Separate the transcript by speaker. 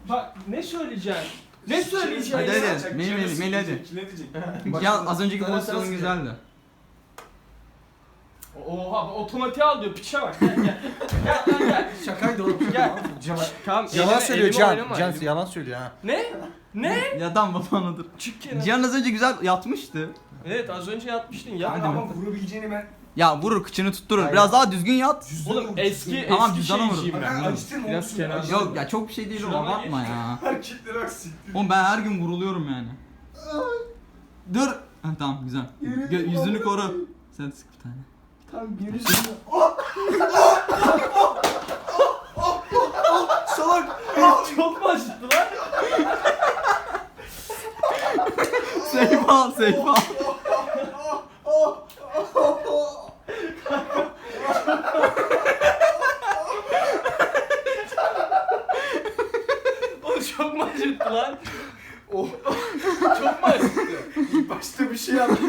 Speaker 1: Bak ne söyleyeceksin? Ne söyleyeceksin?
Speaker 2: Hadi
Speaker 1: ya?
Speaker 2: hadi. Melih hadi.
Speaker 3: Ne diyecek?
Speaker 2: Ya az önceki
Speaker 3: Sana
Speaker 2: pozisyonun
Speaker 3: ters
Speaker 2: güzeldi.
Speaker 1: Oha otomatiğe al diyor piçe bak gel gel. Gel lan gel.
Speaker 3: Şakaydı oğlum.
Speaker 1: Gel. Tamam,
Speaker 3: Yalan
Speaker 1: elime-
Speaker 3: söylüyor
Speaker 1: elime
Speaker 3: Can.
Speaker 1: oynama,
Speaker 3: Can
Speaker 1: elime-
Speaker 3: yalan söylüyor ha.
Speaker 1: Ne? Ne?
Speaker 2: Ya tamam baba dur.
Speaker 1: Çık kenara.
Speaker 2: Cihan az önce güzel yatmıştı.
Speaker 1: Evet az önce yatmıştın ya.
Speaker 2: Hadi
Speaker 4: Ama vurabileceğini ben...
Speaker 2: Ya vurur kıçını tutturur.
Speaker 3: Aynen.
Speaker 2: Biraz daha düzgün yat.
Speaker 1: Oğlum eski
Speaker 2: Tamam,
Speaker 1: eski
Speaker 2: cüzdana vurun.
Speaker 1: şeyciyim ben.
Speaker 4: Ben acıtırım onu.
Speaker 1: Biraz kenar.
Speaker 2: Yok ya çok bir şey değil o
Speaker 1: Şurama
Speaker 2: abartma
Speaker 1: geç.
Speaker 2: ya.
Speaker 4: Hareketleri bak siktir.
Speaker 2: Oğlum ben her gün vuruluyorum yani. Dur. Ha, tamam güzel. Yüzünü koru. Sen sık bir tane.
Speaker 4: Tam gerisini... Salak!
Speaker 1: Çok mu acıttı lan?
Speaker 2: Seyfa Seyfa.
Speaker 1: Oğlum çok mu acıttı lan? Çok mu acıttı?
Speaker 4: Başta bir şey yaptım.